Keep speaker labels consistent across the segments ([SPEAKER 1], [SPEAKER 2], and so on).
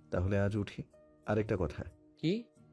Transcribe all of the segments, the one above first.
[SPEAKER 1] তাহলে আজ উঠি। আরেকটা কথা,
[SPEAKER 2] কি?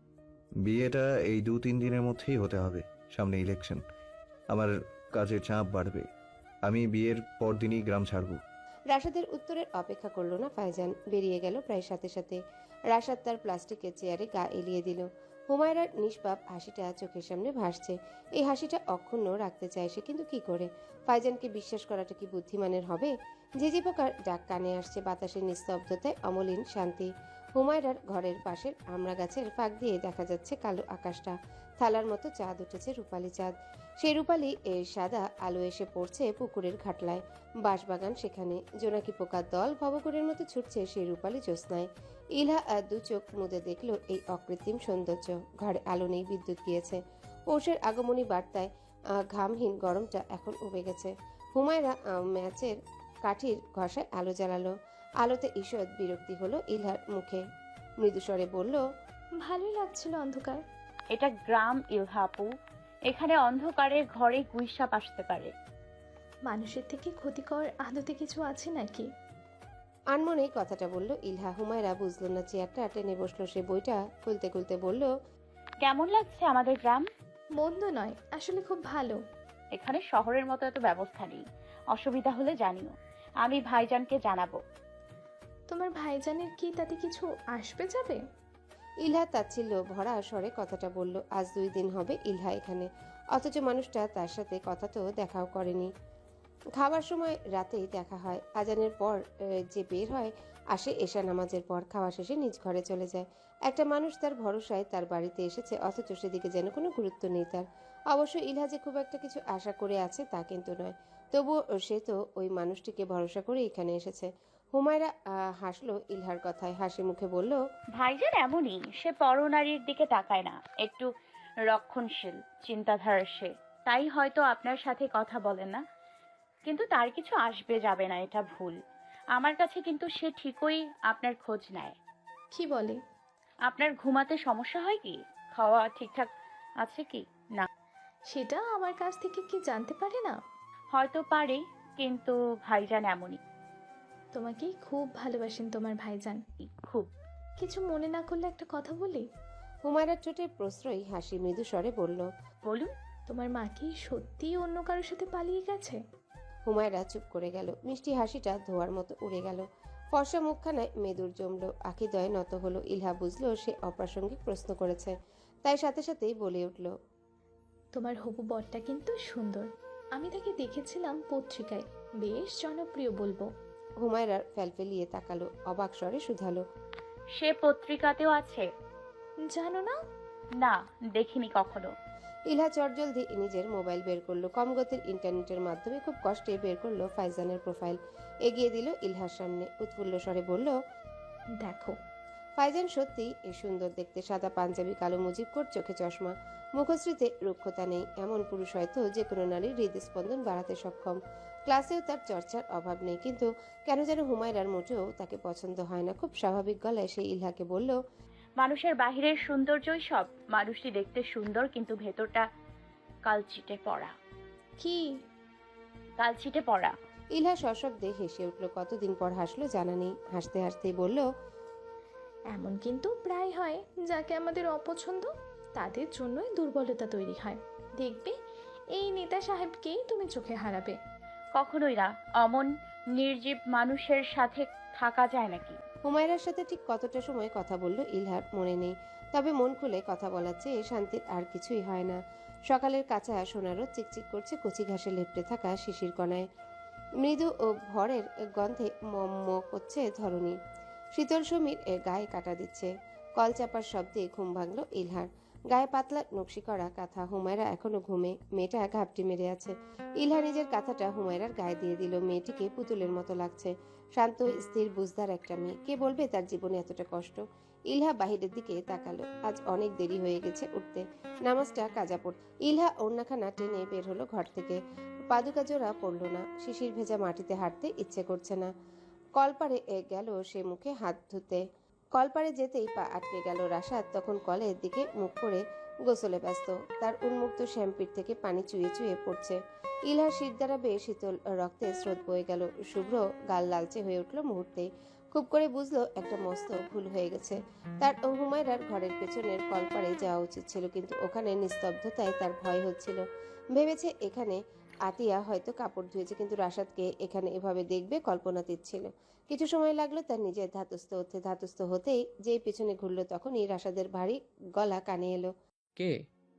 [SPEAKER 1] বিয়েটা এই 2-3 দিনের মধ্যেই হতে হবে। সামনে ইলেকশন, আমার কাজের চাপ বাড়বে। আমি বিয়ের পরদিনই গ্রাম ছাড়ব।
[SPEAKER 3] রাশাদের উত্তরের অপেক্ষা করল না ফাইজান, বেরিয়ে গেল প্রায় সাথে সাথে। রাশাদ তার প্লাস্টিকের চেয়ারে গা এলিয়ে দিল। হুমায়রার নিষ্পাপ হাসিটা চোখের সামনে ভাসছে। এই হাসিটা অক্ষুণ্ণ রাখতে চায় সে, কিন্তু কি করে? ফাইজানকে বিশ্বাস করাটা কি বুদ্ধিমানের হবে? ঝিঝি পোকার ডাক কানে আসছে, বাতাসের নিস্তব্ধতায় অমলিন শান্তি। হুমায়রার ঘরের পাশের আমড়া গাছের ফাঁক দিয়ে দেখা যাচ্ছে কালো আকাশটা। থালার মতো চাঁদ উঠেছে, রূপালী চাঁদ। সেই রূপালী সাদা আলো এসে পড়ছে পুকুরের ঘাটলায়। বাঁশবাগান সেখানে, জোনাকি পোকার দল ভবঘুরের মতো ছুটছে সেই রূপালী জ্যোৎস্নায়। ইলহা দু চোখ মুদে দেখল এই অকৃত্রিম সৌন্দর্য। ঘরে আলো নেই, বিদ্যুৎ গিয়েছে। পৌষের আগমনী বার্তায় ঘামহীন গরমটা এখন উবে গেছে। হুমায়রা ম্যাচের কাঠির ঘষায় আলো জ্বালালো। আলোতে ঈষৎ বিরক্তি হলো ইলহার মুখে। মৃদুস্বরে বলল,
[SPEAKER 4] ভালোই লাগছিল অন্ধকার।
[SPEAKER 5] এটা গ্রাম ইলহাপু, এখানে অন্ধকারে ঘরে গুইসাপ আসতে পারে।
[SPEAKER 4] মানুষের থেকে ক্ষতিকর আদতে কিছু আছে নাকি?
[SPEAKER 3] আনমনেই কথাটা বলল ইলহা। হুমায়রা বুঝলো না, চেয়ারটা টেনে বসলো সে। বইটা খুলতে খুলতে বলল,
[SPEAKER 5] কেমন লাগছে আমাদের গ্রাম?
[SPEAKER 4] মন্দ নয়, আসলে খুব ভালো।
[SPEAKER 5] এখানে শহরের মতো এত ব্যবস্থা নেই। অসুবিধা হলে জানিও, আমি ভাইজানকে জানাবো।
[SPEAKER 4] তোমার ভাইজানের কি তাতে কিছু আসবে যাবে?
[SPEAKER 3] ইলহা তাচ্ছিল্য ভরা স্বরে কথাটা বলল। আজ 2 দিন হবে ইলহা এখানে, অথচ মানুষটা তার সাথে কথা তো দেখাও করেনি। খাবার সময় রাতেই দেখা হয়, আজানের পর যে বের হয়, আসে এশা নামাজের পর, খাওয়া শেষে নিজ ঘরে চলে যায়। একটা মানুষ তার ভরসায় তার বাড়িতে এসেছে, অথচ সেদিকে যেন কোনো গুরুত্ব নেই তার। অবশ্য ইলহা যে খুব একটা কিছু আশা করে আছে তা কিন্তু নয়, তবুও সে তো ওই মানুষটিকে ভরসা করে এখানে এসেছে। হুমায়রা হাসলো ইলহার কথায়, হাসি মুখে বলল,
[SPEAKER 5] ভাইজান এমনই, সে পরনারীর দিকে তাকায় না, একটু রক্ষণশীল চিন্তাধারার সে। তাই হয়তো আপনার সাথে কথা বলে না, কিন্তু তার কিছু আসবে যাবে না এটা ভুল। আমার কাছে কিন্তু সে ঠিকই আপনার খোঁজ নেয়।
[SPEAKER 4] কি বলে?
[SPEAKER 5] আপনার ঘুমাতে সমস্যা হয় কি, খাওয়া ঠিকঠাক আছে কি না।
[SPEAKER 4] সেটা আমার কাছ থেকে কি জানতে পারে না?
[SPEAKER 5] হয়তো পারে, কিন্তু ভাইজান এমনই,
[SPEAKER 4] তোমাকেই খুব ভালোবাসেন তোমার ভাইজান।
[SPEAKER 5] খুব।
[SPEAKER 4] কিছু মনে না করলে একটা কথা বলি?
[SPEAKER 3] হুমায়রার ঠোঁটের প্রশ্রয়ী হাসি মৃদু স্বরে বলল,
[SPEAKER 5] বলুন।
[SPEAKER 4] তোমার মা কি সত্যিই অন্য কারোর সাথে পালিয়ে গেছে?
[SPEAKER 3] হুমায়রা চুপ করে গেল। মিষ্টি হাসিটা ধোয়ার মতো উড়ে গেল। ফর্সা মুখখানায় মেদুর জমলো, আখিদয় নত হলো। ইলহা বুঝলো সে অপ্রাসঙ্গিক প্রশ্ন করেছে, তাই সাথে সাথেই বলে উঠল,
[SPEAKER 4] তোমার হবু বরটা কিন্তু সুন্দর। আমি তাকে দেখেছিলাম পত্রিকায়, বেশ জনপ্রিয় বলবো।
[SPEAKER 3] হুমায়রার ফেলফেলিয়ে তাকালো, অবাক স্বরে শুধালো,
[SPEAKER 5] সে পত্রিকাতেও আছে?
[SPEAKER 4] জানো না?
[SPEAKER 5] না, দেখিনি কখনো।
[SPEAKER 3] ইলহা চটজলদি নিজের মোবাইল বের করলো। কম গতির ইন্টারনেটের মাধ্যমে খুব কষ্টে বের করলো ফাইজানের প্রোফাইল, এগিয়ে দিল ইলহার সামনে। উৎফুল্ল স্বরে বলল,
[SPEAKER 4] দেখো।
[SPEAKER 3] ফাইজান সত্যি এ সুন্দর দেখতে, সাদা পাঞ্জাবি, কালো মুজিব কোট, চোখে চশমা। মুখশ্রীতে রুক্ষতা নেই। এমন পুরুষ হয়তো যে কোনো নারীর হৃদস্পন্দন বাড়াতে সক্ষম। ক্লাসেও তার চর্চার অভাব নেই, কিন্তু কেন যেন হুমায়রার মোটেও তাকে পছন্দ হয় না। খুব স্বাভাবিক গলায় সে ইলহাকে বলল,
[SPEAKER 5] মানুষের বাহিরের সৌন্দর্যই সব। মানুষটি দেখতে সুন্দর, কিন্তু ভেতরটা কালচিটে পড়া।
[SPEAKER 4] কি?
[SPEAKER 5] কালচিটে পড়া।
[SPEAKER 3] ইলহা সশব্দে হেসে উঠল। কতদিন পর হাসলো জানা নেই। হাসতে হাসতেই বলল,
[SPEAKER 4] এমন কিন্তু প্রায় হয়, যাকে আমাদের অপছন্দ তাদের জন্যই দুর্বলতা তৈরি হয়। দেখবে এই নেতা সাহেবকেই তুমি চোখে হারাবে।
[SPEAKER 5] কখনোই না। অমন নির্জীব মানুষের সাথে থাকা যায় নাকি?
[SPEAKER 3] হুমায়রার সাথে ঠিক কতটা সময় কথা বলল ইলহার মনে নেই, তবে মন খুলে কথা বলার চেয়ে শান্তির আর কিছুই হয় না। সকালের কাঁচা সোনারও চিকচিক করছে কচি ঘাসে লেপ্টে থাকা শিশির কণায়। মৃদু ও ভরের গন্ধে মম করছে ধরণী। শীতল সমীর গায়ে কাটা দিচ্ছে। কল চাপার শব্দে ঘুম ভাঙল ইলহার। গায়ে পাতলা নকশি করা কাঁথা। হুমায়রা এখনো ঘুমে, মেয়েটা ঘাপটি মেরে আছে। ইলহা নিজের কাঁথাটা হুমায়রার গায়ে দিয়ে দিল। মেয়েটিকে পুতুলের মতো লাগছে, শান্ত, স্থির, বুঝদার একটা মেয়ে। কে বলবে তার জীবনে এতটা কষ্ট? ইলহা বাহিরের দিকে তাকালো। আজ অনেক দেরি হয়ে গেছে উঠতে, নামাজটা কাজা পড়। ইলহা ওড়নাখানা টেনে বের হলো ঘর থেকে। পাদুকা জোড়া পড়ল না। শিশির ভেজা মাটিতে হাঁটতে ইচ্ছে করছে না। কলপারে গেল সে মুখে হাত ধুতে। কলপারে যেতেই পা আটকে গেল। রাশাদ তখন কলের দিকে মুখ করে গোসলে ব্যস্ত। তার উন্মুক্ত শ্যাম্পির থেকে পানি চুইয়ে চুইয়ে পড়ছে। ইলহার শির দ্বারা বেয়ে শীতল রক্তে স্রোত বয়ে গেল। শুভ্র গাল লালচে হয়ে উঠল মুহূর্তে। খুব করে বুঝলো একটা মস্ত ভুল হয়ে গেছে। তার হুমায়রার ঘরের পেছনের কলপাড়ে যাওয়া উচিত ছিল, কিন্তু ওখানে নিস্তব্ধতায় তার ভয় হচ্ছিল। ভেবেছে এখানে আতিয়া হয়তো কাপড় ধুয়েছে, কিন্তু রাশাদকে এখানে এভাবে দেখবে কল্পনাতীত ছিল। কিছু সময় লাগলো তার নিজের ধাতস্থ হতেই যেই পেছনে ঘুরলো তখনই রাশাদের ভারী গলা কানে এলো।
[SPEAKER 2] কে?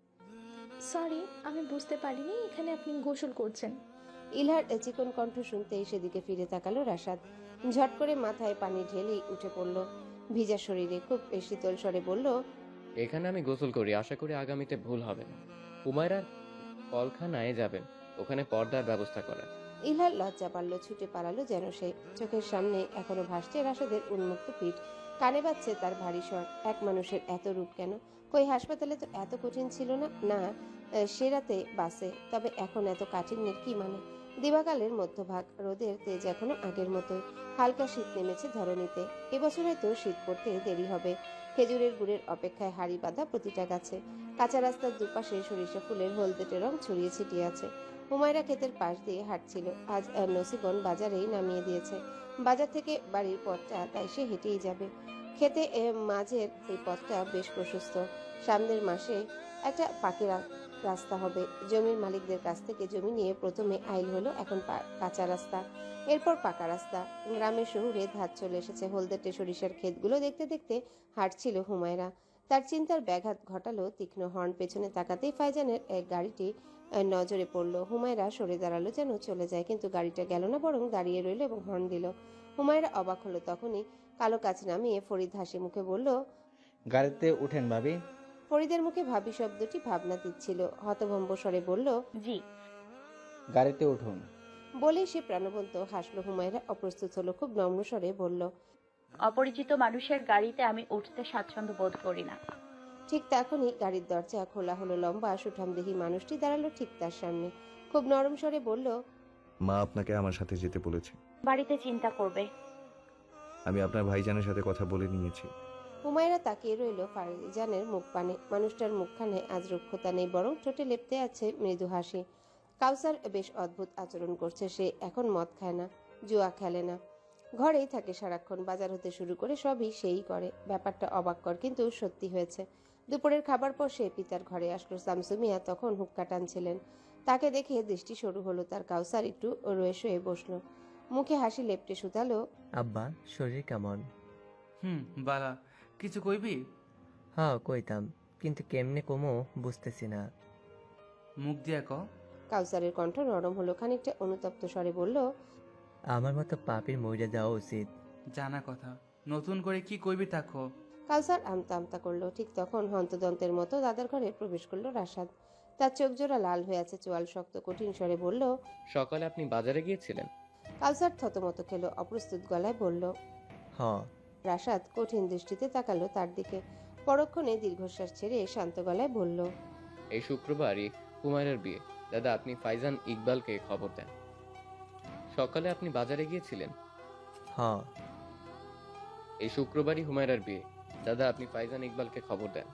[SPEAKER 4] সরি, আমি বুঝতে পারিনি এখানে আপনি গোসল করছেন।
[SPEAKER 3] ইলহার চিকন কণ্ঠ শুনতেই সেদিকে ফিরে তাকালো রাশাদ। ঝট করে মাথায় পানি ঢেলেই উঠে পড়ল ভিজা শরীরে। খুব শীতল স্বরে বলল,
[SPEAKER 2] এখানে আমি গোসল করি, আশা করি আগামীতে ভুল হবে না। হুমায়রার কলখানায় যাবেন, ওখানে পর্দার ব্যবস্থা করা।
[SPEAKER 3] ইলহার লজ্জা পারল, ছুটে পালালো যেন সে। চোখের সামনে এখনো ভাসছে রাশাদের উন্মুক্ত পিঠ, কানে বাজছে তার ভারী স্বর। এক মানুষের এত রূপ কেন? কই হাসপাতালে তো এত কঠিন ছিল না। না, সে রাতে বাসে, তবে এখন এত কাঠিন্যের কি মানে? দিবাকালের মধ্যভাগ, রোদের তেজ এখনো আগের মতোই। হালকা শীত নেমেছে ধরণীতে। এবছর হয়তো শীত পড়তে দেরি হবে। খেজুরের গুড়ের অপেক্ষায় হাড়ি বাঁধা প্রতিটা গাছে। কাঁচা রাস্তার দুপাশে সরিষা ফুলের হলদেটে রং ছড়িয়ে ছিটিয়ে আছে। হুমায়রা ক্ষেতের পাশ দিয়ে হাঁটছিল। আজ নসিবন বাজারেই নামিয়ে দিয়েছে। বাজার থেকে বাড়ির পথটা তাই সে হেঁটেই যাবে। খেতে মাঝের এই পথটা বেশ প্রশস্ত। সামনের মাসে একটা পাকি রাস্তা হবে। জমির মালিকদের কাছ থেকে জমি নিয়ে প্রথমে আইল হলো, এখন কাঁচা রাস্তা, এরপর পাকা রাস্তা। গ্রামের শহুরে ধার চলে এসেছে। হলদেটে সরিষার ক্ষেতগুলো দেখতে দেখতে হাঁটছিল হুমায়রা। তার চিন্তার ব্যাঘাত ঘটালো তীক্ষ্ণ হর্ন। পেছনে তাকাতেই ফাইজানের এক গাড়িটি নজরে পড়লো। হুমায়রা সরে দাঁড়ালো যেন চলে যায়, কিন্তু গাড়িটা গেল না, বরং দাঁড়িয়ে রইল এবং হর্ন দিল। হুমায়রা অবাক হলো। তখনই কালো কাচ নামিয়ে ফরিদ হাসি মুখে বলল,
[SPEAKER 6] গাড়িতে উঠেন ভাবি।
[SPEAKER 3] ফরিদের মুখে ভাবি শব্দটি ভাবনা দিচ্ছিল। হতভম্ব স্বরে বলল,
[SPEAKER 5] জি।
[SPEAKER 6] গাড়িতে উঠুন।
[SPEAKER 3] বলেই সে প্রাণবন্ত হাসলো। হুমায়রা অপ্রস্তুত হলো, খুব নম্র স্বরে বলল,
[SPEAKER 5] অপরিচিত মানুষের গাড়িতে আমি উঠতে স্বাচ্ছন্দ্য বোধ করি না।
[SPEAKER 3] ঠিক তখনই গাড়ির দরজা খোলা হলো। লম্বা সুঠামদেহী মানুষটি দাঁড়ালো ঠিক তার সামনে। খুব নরম স্বরে বলল,
[SPEAKER 1] মা আপনাকে আমার সাথে যেতে বলেছে।
[SPEAKER 5] বাড়িতে চিন্তা করবে।
[SPEAKER 1] আমি আপনার ভাইজানের সাথে কথা বলে নিয়েছি।
[SPEAKER 3] হুমায়রা তাকিয়ে রইল ফারজানের মুখ পানে। মানুষটার মুখখানে আজ রুক্ষতা নেই, বরং ঠোঁটে লেপ্তে আছে মৃদু হাসি। কাউসার বেশ অদ্ভুত আচরণ করছে। সে এখন মদ খায় না, জুয়া খেলে না, ঘরেই থাকে সারাক্ষণ। বাজার হতে শুরু করে সবই সেই করে। ব্যাপারটা অবাককর, কিন্তু সত্যি হয়েছে। দুপুরের খাবার পর সে পিতার ঘরে আসলো। শামসুমিয়া তখন হুক্কা টানছিলেন। তাকে দেখে দৃষ্টি সরু হলো তার। কাউসার একটু রয়ে শুয়ে বসলো, মুখে হাসি লেপ্টে শুধালো,
[SPEAKER 7] আব্বা শরীর কেমন?
[SPEAKER 8] বালা, কিছু কইবি?
[SPEAKER 7] হ্যাঁ কইতাম, কিন্তু কেমনে কমো বুঝতেছি না।
[SPEAKER 8] মুখ দিয়া ক।
[SPEAKER 3] কাউসারের কণ্ঠ নরম হলো। খানিকটা অনুতপ্ত স্বরে বলল,
[SPEAKER 7] আমার মতো পাপির মইরা যাওয়া উচিত।
[SPEAKER 8] জানা কথা, নতুন করে কি কইবি তাকো।
[SPEAKER 3] কাউসার আমতা আমতা করলো। ঠিক তখন হন্তদন্তের মতো দাদার ঘরে প্রবেশ করলো রাশাদ। তার চোখ জোড়া লাল হয়ে আছে, চোয়াল শক্ত। কঠিন স্বরে বলল,
[SPEAKER 2] সকালে আপনি বাজারে গিয়েছিলেন?
[SPEAKER 3] কাউসার থতমত খেলো, অপ্রস্তুত গলায় বলল।
[SPEAKER 7] হ।
[SPEAKER 3] রাশাদ কঠিন দৃষ্টিতে তাকালো তার দিকে। পরক্ষণে দীর্ঘশ্বাস ছেড়ে শান্ত গলায় বলল,
[SPEAKER 2] এই শুক্রবারই হুমায়রার বিয়ে। দাদা, আপনি ফাইজান ইকবালকে খবর দেন। সকালে আপনি বাজারে গিয়েছিলেন?
[SPEAKER 7] হ।
[SPEAKER 2] এই শুক্রবারই হুমায়রার বিয়ে। দাদা, আপনি ফাইজান ইকবালকে খবর দেন।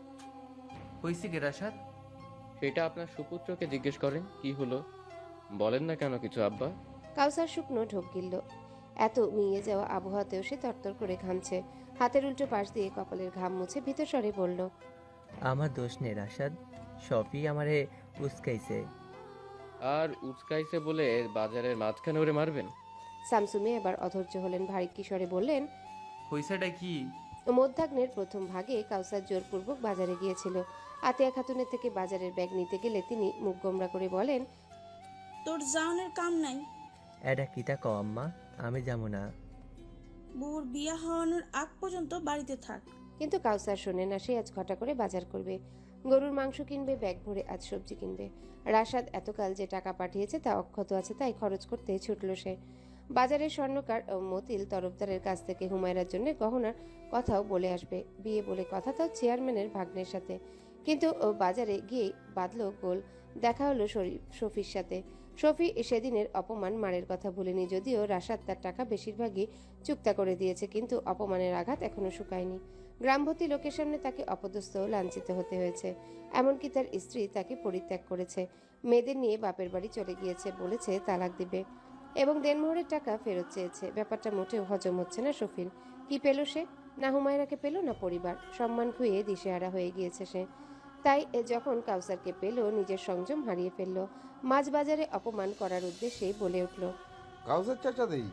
[SPEAKER 8] হইছে কে রাশাদ?
[SPEAKER 2] সেটা আপনার সুপুত্রকে জিজ্ঞেস করেন। কি হলো বলেন না কেন কিছু আব্বা?
[SPEAKER 3] কাউসার শুকনো ঢোক গিলল। এত মিয়ে যাওয়া আবহাওয়াতেও সে তরতর করে ঘামছে। হাতের উল্টো পাশ দিয়ে কপালের ঘাম মুছে ভীত স্বরে বলল,
[SPEAKER 7] আমার দোষ নেই রাশাদ, সফি আমারে উস্কাইছে।
[SPEAKER 2] আর উচকাইছে বলে বাজারের মাঝখানে ওরে মারবেন?
[SPEAKER 3] শামসুমি এবার অধৈর্য হলেন। ভারী কিশোরে বললেন,
[SPEAKER 8] হইছেটা কি?
[SPEAKER 3] মধ্যাহ্নের প্রথম ভাগে কাউসার জোরপূর্বক বাজারে গিয়েছিল। আতিয়া খাতুনের থেকে বাজারের ব্যাগ নিতে গেলে তিনি মুখ গোমরা করে বলেন,
[SPEAKER 9] তোর জাউনের কাম নাই।
[SPEAKER 7] এটা কিতা ক আম্মা, আমি যাবো না।
[SPEAKER 9] বউর বিয়া হওয়ানোর আগ পর্যন্ত বাড়িতে থাক।
[SPEAKER 3] কিন্তু কাউসার শোনে না। সে আজ ঘটা করে বাজার করবে, গরুর মাংস কিনবে, ব্যাগ ভরে আজ সবজি কিনবে। রাশাদ এতকাল যে টাকা পাঠিয়েছে তা অক্ষত আছে, তাই খরচ করতে ছুটল সে। বাজারের স্বর্ণকার মতিল তরফদারের কাছ থেকে হুমায়রার জন্য গহনার কথাও বলে আসবে। বিয়ে বলে কথা, তাও চেয়ারম্যানের ভাগ্নের সাথে। কিন্তু বাজারে গিয়ে বাঁধলো গোল। দেখা হলো শফির সাথে। শফি সেদিনের অপমান মারের কথা ভুলেনি। যদিও রাশাদ তার টাকা বেশিরভাগই চুক্তা করে দিয়েছে, কিন্তু অপমানের আঘাত এখনো শুকায়নি। গ্রামভর্তি লোকের সামনে তাকে অপদস্থ লাঞ্ছিত হতে হয়েছে। এমনকি তার স্ত্রী তাকে পরিত্যাগ করেছে, মেয়েদের নিয়ে বাপের বাড়ি চলে গিয়েছে, বলেছে তালাক দিবে। এবং দেনমোহরের টাকা ফেরত চেয়েছে। ব্যাপারটা মোটেও হজম হচ্ছে না শফির। কি পেল সে? না হুমায়রাকে পেল, না পরিবার। সম্মান খুইয়ে দিশেহারা হয়ে গিয়েছে সে। তাই যখন কাউসারকে পেল, নিজের সংযম হারিয়ে ফেলল। মাছ বাজারে অপমান করার উদ্দেশ্যেই বলে উঠল,
[SPEAKER 10] কাউসার চাচা দেই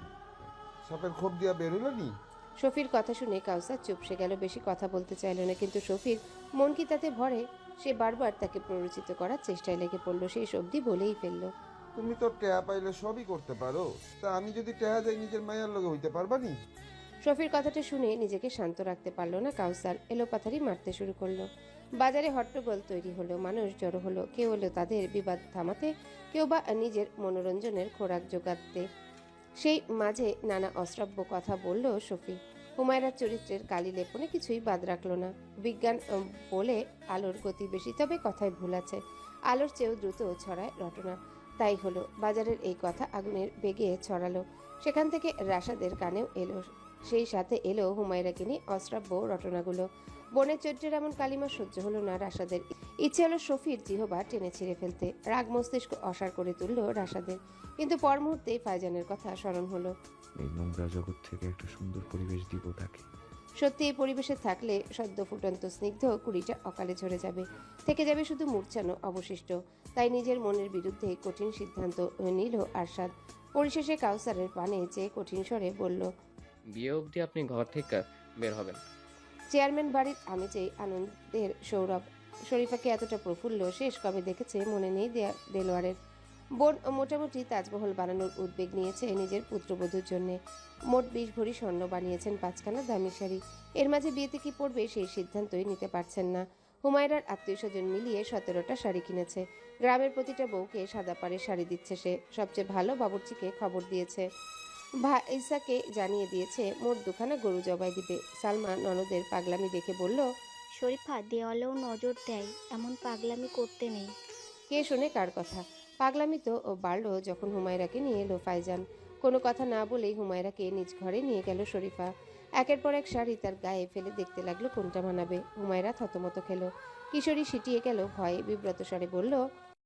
[SPEAKER 10] সাপের খোপ দিয়া বেরোলো নি।
[SPEAKER 3] শফির কথা শুনে কাউসার চুপসে গেল, বেশি কথা বলতে চাইল না। কিন্তু শফির মন কি তাতে ভরে? সে বারবার তাকে প্ররোচিত করার চেষ্টায় লেগে পড়ল। সেই অবধি বলেই ফেলল,
[SPEAKER 10] তুমি তো টেহা পাইলে সবই করতে পারো, তা আমি যদি টেহা যাই নিজের মায়ের লগে হইতে পারবা নি?
[SPEAKER 3] শফির কথাটা শুনে নিজেকে শান্ত রাখতে পারল না কাউসার। এলোপাথারি মারতে শুরু করলো। বাজারে হট্টগোল তৈরি হলো, মানুষ জড়ো হলো। কেউ এলো তাদের বিবাদ থামাতে, কেউ বা নিজের মনোরঞ্জনের খোরাক জোগাতে। সেই মাঝে নানা অশ্রাব্য কথা বলল শফি। হুমায়রার চরিত্রের কালি লেপনে কিছুই বাদ রাখলো না। বিজ্ঞান বলে আলোর গতি বেশি, তবে কথায় ভুল আছে। আলোর চেয়েও দ্রুত ছড়ায় রটনা। তাই হলো, বাজারের এই কথা আগুনের বেগে ছড়ালো। সেখান থেকে রাশাদের কানেও এলো, সেই সাথে এলো হুমায়রাকে নিয়ে অশ্রাব্য রটনাগুলো। বনের চরিত্রের এমন কালিমা সহ্য হলো না রাশাদের। ইচ্ছে হলো শফির জিহবা টেনে ছিঁড়ে ফেলতে। রাগ মস্তিষ্ক অসার করে তুলল রাশাদের। কিন্তু পর মুহূর্তেই ফাইজানের কথা স্মরণ হলো।
[SPEAKER 1] এই নোংরা জগৎ থেকে একটা সুন্দর পরিবেশ দিব তাকে।
[SPEAKER 3] সত্যি এই পরিবেশে থাকলে সদ্য ফুটন্ত স্নিগ্ধ কুড়িটা অকালে ঝরে যাবে, থেকে যাবে শুধু মূর্ছানো অবশিষ্ট। তাই নিজের মনের বিরুদ্ধে কঠিন সিদ্ধান্ত নিল আরশাদ। পরিশেষে কাউসারের পানে চেয়ে কঠিন স্বরে বলল,
[SPEAKER 2] বিয়ে অবধি আপনি ঘর থেকে বের হবেন।
[SPEAKER 3] চেয়ারম্যান বাড়ির আমেজেই আনন্দের সৌরভ। শরীফাকে এতটা প্রফুল্ল শেষ কবে দেখেছে মনে নেই দেলোয়ারের। বোন মোটামুটি তাজমহল বানানোর উদ্যোগ নিয়েছে নিজের পুত্রবধূর জন্য। মোট 20 ভরি স্বর্ণ বানিয়েছেন 5খানা দামি শাড়ি। এর মাঝে বিয়েতে কি পড়বে সেই সিদ্ধান্তই নিতে পারছেন না। হুমায়রার আত্মীয় স্বজন মিলিয়ে 17টা শাড়ি কিনেছে। গ্রামের প্রতিটা বউকে সাদা পাড়ের শাড়ি দিচ্ছে সে। সবচেয়ে ভালো বাবুর্চিকে খবর দিয়েছে, ভাইসাকে জানিয়ে দিয়েছে মোট 2খানা গরু জবাই দিবে। সালমা ননদের পাগলামি দেখে বলল,
[SPEAKER 11] শরীফা দেওয়ালেও নজর দেয়, এমন পাগলামি করতে নেই।
[SPEAKER 3] কে শোনে কার কথা? পাগলামি তো বাড়ল যখন হুমায়রাকে নিয়ে এলো ফাইজান। কোনো কথা না বলেই হুমায়রাকে নিজ ঘরে নিয়ে গেল শরীফা। একের পর এক শাড়ি তার গায়ে ফেলে দেখতে লাগলো কোনটা মানাবে। হুমায়রা থতমত খেলো। কিশোরী সিটিয়ে গেল ভয়ে, বিব্রত স্বরে বলল,